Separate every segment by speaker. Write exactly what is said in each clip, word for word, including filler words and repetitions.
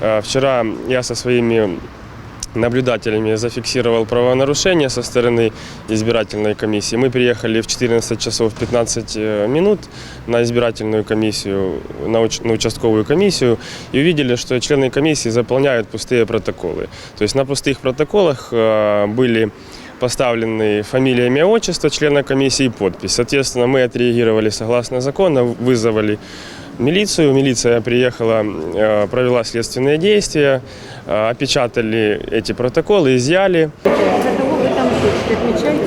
Speaker 1: Вчера я со своими наблюдателями зафиксировал правонарушение со стороны избирательной комиссии. Мы приехали в четырнадцать часов пятнадцать минут на избирательную комиссию, на, уч- на участковую комиссию и увидели, что члены комиссии заполняют пустые протоколы. То есть на пустых протоколах были поставлены фамилия, имя, отчество члена комиссии и подпись. Соответственно, мы отреагировали согласно закону, вызвали милицию. Милиция приехала, провела следственные действия, опечатали эти протоколы, изъяли.
Speaker 2: За кого ви там хочете, відмічаєте?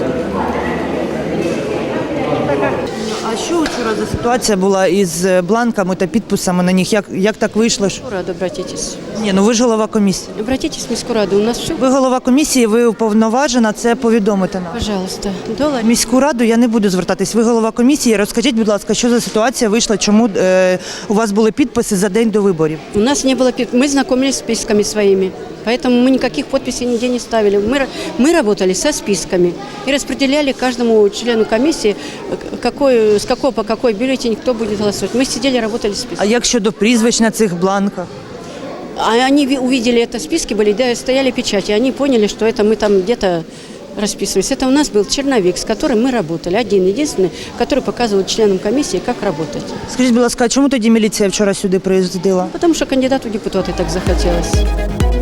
Speaker 3: А що вчора за ситуація була із бланками та підписами на них? Як, як так вийшло? що-
Speaker 2: Раду, обратитесь.
Speaker 3: Ні, ну ви ж голова комісії.
Speaker 2: Обратитесь в міську раду, у нас все.
Speaker 3: Ви голова комісії, ви уповноважена це повідомити нам.
Speaker 2: Пожалуйста. Долар.
Speaker 3: В міську раду я не буду звертатись. Ви голова комісії. Розкажіть, будь ласка, що за ситуація вийшла, чому е, у вас були підписи за день до виборів?
Speaker 2: У нас не было, пи- мы знакомились с списками своими, поэтому мы никаких подписей нигде не ставили. Мы, ра- мы работали со списками и распределяли каждому члену комиссии, э, какой, с какого по какой бюллетень кто будет голосовать. Мы сидели, работали с
Speaker 3: А
Speaker 2: списками.
Speaker 3: як щодо прізвищ на цих бланках?
Speaker 2: А они ви- увидели это, списки были, да, стояли печати, они поняли, что это мы там где-то расписывались. Это у нас был черновик, с которым мы работали, один, единственный, который показывал членам комиссии, как работать.
Speaker 3: Скажіть, будь ласка, а чому тоді міліція вчора сюди приїздила?
Speaker 2: Потому что кандидату в депутаты так захотелось.